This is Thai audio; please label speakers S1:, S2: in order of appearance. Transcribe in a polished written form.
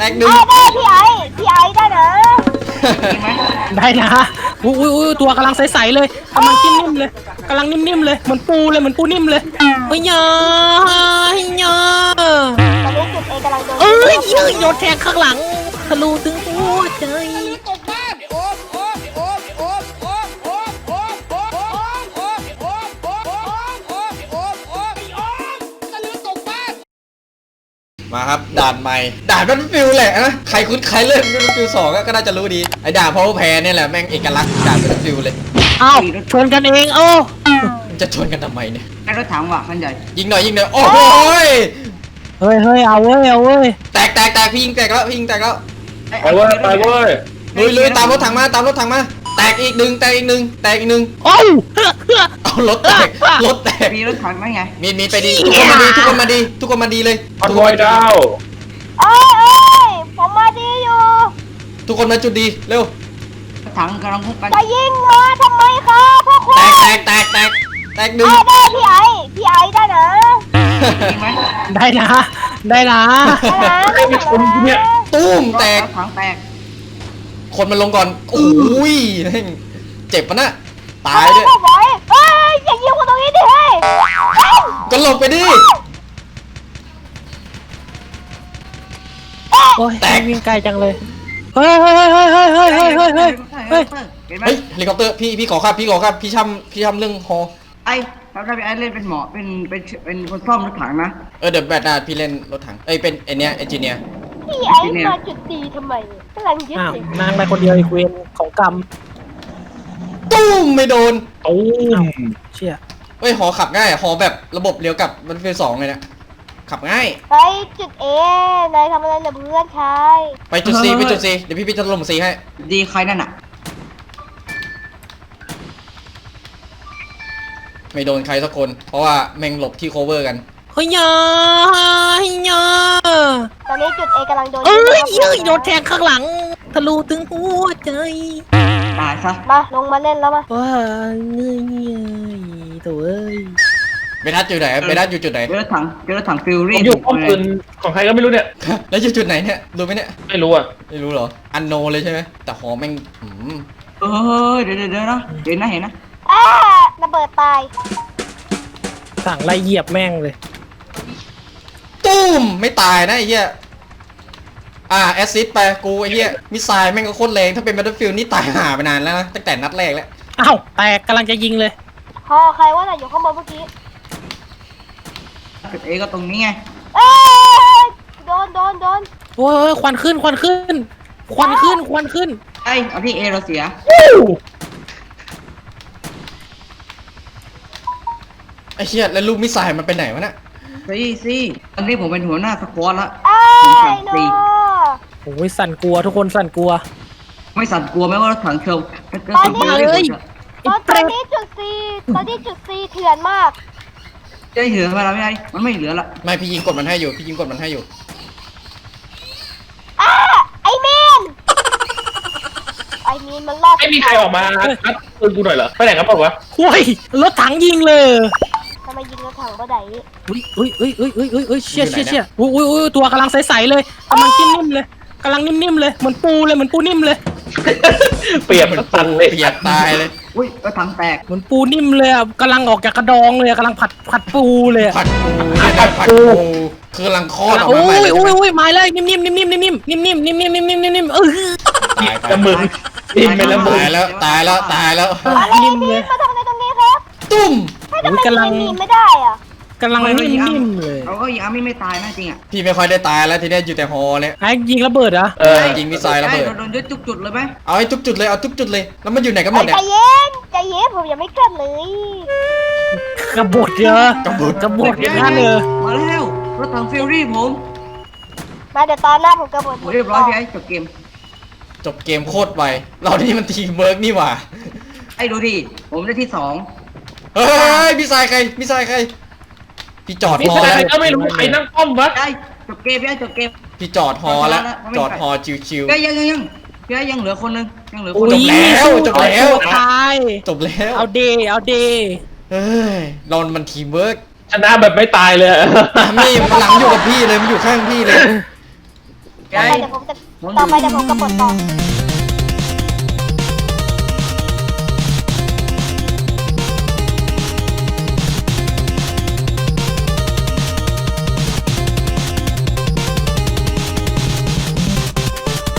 S1: ตกหนึ่ง
S2: ได้พี่ไอ้ได้นะ
S3: ได้นะอุ้ยตัวกำลังใสๆเลยกำลังนิ่มๆเลยกำลังนิ่มๆเลยเหมือนปูเลยเหมือนปูนิ่มเลยเฮ้ยยาเฮ้ยยา
S2: ตอนนี้จุดเอกำลังโดน
S3: เอ้ยยืดโยนแทงข้างหลังทะลุถึงหัวใจ
S1: มาครับด่านใหม่ด่านBattlefieldแหละนะใครคุ้นใครเล่นBattlefield 2ก็น่าจะรู้ดีไอ้ด่านเพราะว่าแพ้เนี่ยแหละแม่งเอกลักษณ์ด่านBattlefieldเลย
S3: อ้าวชนกันเองโอ้
S1: มันจะชนกันทำไมเนี่ย
S4: ไอ้รถถังว่ะคันใหญ่
S1: ยิงหน่อยโอ้โห
S3: เฮ้ยเอาเว้ย
S1: แตกพี่ยิงแตกแล้ว
S5: ไปเว้ย
S1: ลุยตามรถถังมาแตกอีกหนึ่ง
S3: โอ้ย
S1: เอารถแตก
S4: มีรถถังไหมไง
S1: มีไปดีทุกคนมาดีเลย
S5: คอนวอยดาว
S2: เอ้ยผมมาดีอยู่
S1: ทุกคนมาจุดดีเร็ว
S4: รถถังกำลังคุกกัน
S2: จะยิงมาทำไมครับพ่อคุณ
S1: แตกหนึ่ง
S2: ได้พี่ไอ้ได้นะ
S4: จริงไหม
S3: ได้นะ
S2: ได้นะ
S1: ตุ้มแตก
S4: รถถังแตก
S1: คนมันลงก่อนโอ้ยเจ็บปะน่ะตายด้วย
S2: ไม่ไหวเฮ้ยอย่ายิงคนตรงนี้ดิเฮ้ย
S1: ก็หลบไปดิ
S3: โอ้ย
S1: แตก
S3: วิ่งไกลจังเลยเฮ้ย
S4: เห็นไหม
S1: เฮ้ยเฮลิคอปเตอร์พี่ขอครับพี่ทำเรื่องฮอ
S4: ไอ้ถ้าพี่ไอ้เล่นเป็นหมอเป็นคนซ่อมรถถังนะ
S1: เดี๋ยวแบตนาพี่เล่นรถถังเป็นไอเนี้ยเอนจิเนียร์
S2: พี่ไอ้มาจุดดีทำไมกำลังยึด
S3: อ้าว
S2: สิ
S3: นางไปคนเดียวอีกเวรของกรรม
S1: ตุ้มไม่โดน
S5: ตูม
S3: เชี่ย
S1: เฮ้ยหอขับง่ายหอแบบระบบเลี้ยวกลับมันเป็น2เลยนะขับง่าย
S2: ไปจุดเอนายทำอะไรเหรอเพื่อนชาย
S1: ไปจุด C เดี๋ยวพี่จะลง C ให้
S4: ดีใครนั่นน่ะ
S1: ไม่โดนใครสักคน เพราะว่าแม่งหลบที่ cover กัน
S3: เฮ้ยยาเฮ้ยยา
S2: ตอนนี้จุดเอกำลังโดน
S3: เอ้ยยืดโยนแทงข้างหลังทะลุถึงหัวใจ
S4: ตายซะ
S2: มาลงมาเล่นแล้วมา
S3: ว้าเงยตัวเอ้ย
S1: เบนัสอยู่ไหนเบนัสอยู่จุดไหน
S4: เจอรถถังฟิว
S5: ผ
S4: รี่
S5: มอยู่ป้อมปืนของใครก็ไม่รู้เนี่ย
S1: แล้วอยู่จุดไหนเนี่ยรู้ไหมเนี่ย
S5: ไม่รู้อ่ะ
S1: ไม่รู้เหรออันโนเลยใช่ไหมแต่หอแม่ง
S4: เดี๋ยวนะเห็นนะ
S2: อ้าระเบิดตาย
S3: สั่งไล่เหยียบแม่งเลย
S1: ตุ้มไม่ตายนะไอ้เหี้ยแอสซิสไปกูไอ้เหี้ยมิสไซล์แม่งก็โคตรแรงถ้าเป็น Battlefield นี่ตายห่าไปนานแล้วนะตั้งแต่นัดแรกแล้ว
S3: อ้าวแตกกำลังจะยิงเลย
S2: พอใครว่าน่ะอยู่ข้างบนเมื่อกี้
S4: จุดเอก็ตรงนี้ไง
S2: เอ้ยโดน
S3: โอ้ยควันขึ้น
S4: ไอ้เอาที่เอเราเสีย
S1: ไอ้เหี้ยแล้วลูกมิสไซล์มันไปไหนวะน่ะ
S4: สิตอนนี้ผมเป็นหัวหน้าสควอตละ
S2: เอ้ยโน
S3: โอ้ยสั่นกลัวทุกคนสั่นกลัว
S4: ไม่สั่นกลัวไหมว่ารถถังเชิง
S2: ตอนนี้จุดซีเถื่อนมาก
S4: จะเหลือเวลาไม่ได้มันไม่เหลือละ
S1: ไม่พี่ยิงกดมันให้อยู่
S2: ไอมีนมันรอด
S5: ไม่มีใครออกมาอัดปืนกูหน่อยเหรอไปไหนกันเปล่าวะ
S3: โอ้ยรถถังยิงเลย
S2: ทำไมยิงรถถังบ่ได้
S3: อุ้ยเชี่ยอุ้ยตัวกำลังใสๆเลยกำลังนิ่มๆเลยเหมือนปูนิ่มเลย
S5: เปรียบมันสั่นเลย
S1: เปียกตายเลย
S4: อุ้ยรถถังแตก
S3: เหมือนปูนิ่มเลยอ่ะกำลังออกจากกระดองเลยกำลังผัดปูเลย
S1: ผัดปูเนี่ยนะผัดปูคือกำลังคลอดออก
S3: โอ้
S1: มาใหม่
S3: ย
S1: เลย
S3: มาเลยนิ่ม
S5: จะมึงนิ่มไปแล้วมึง
S1: ตายแล้ว
S2: อะไรมีนมาทำอะไรตรงนี้ครับ
S1: ตุ้ม
S2: ให้ทำไมมีนไม่ได้อ่ะ
S3: กำลังนิ่มเลย
S4: เราก็ยิงอาร์มี่ไม่ตายนะจริงอ่ะ
S1: พี่ไม่ค่อยได้ตายแล้วทีเนี้ยอยู่แต่ฮอเนี่ย
S3: ไอ้ยิงระเบิดเหรอ
S1: ยิงมิสไซล์ระเบิด
S4: โดนยึดทุกจุดเลยไหม
S1: เอาให้ทุกจุดเลยแล้วมันอยู่ไหนกันหมดเนี่ย
S2: ใจเย็นผมยังไม่เกิดเลย
S3: กระบดเยอะกระบดอย่างนั้นเลย
S4: มาแล้วรถถังฟิวรี่ผม
S2: มาเดี๋ยวตอนหน้าผมกระบฏ
S4: เรียบร้อยพี่ไอ้จบเกม
S1: จบเกมโคตรไวเรานี่มันทีมเวิร์กนี่หว่า
S4: ไอ้ดูดิผมได้ที่2
S1: เฮ้ยมิสไซล์ใครพี่จอด
S5: นี่
S1: ฮอ
S5: ใคร
S1: แล้ว
S5: ก็ไม่รู้ใครนั่งป้อมวะ
S4: ได้จบเกมพี่ไอ้จบเกม
S1: พี่จอดฮอแล้วจอดฮอชิว
S4: พี่ไอ้ยังเหลือคนนึงยังเหลือคน
S1: จบแล้ว
S3: ตาย
S1: จบแล้ว
S3: เอาเด
S1: เฮ้ยเรามันทีมเวิร์ก
S5: ชนะแบบไม่ตายเลย
S1: ไม่มันหลังอยู่กับพี่เลยมันอยู่ข้างพี่เลย
S2: ต่อไปเดี๋ยวผมจะต่อไปเดี๋ยวผมกระปดต่อ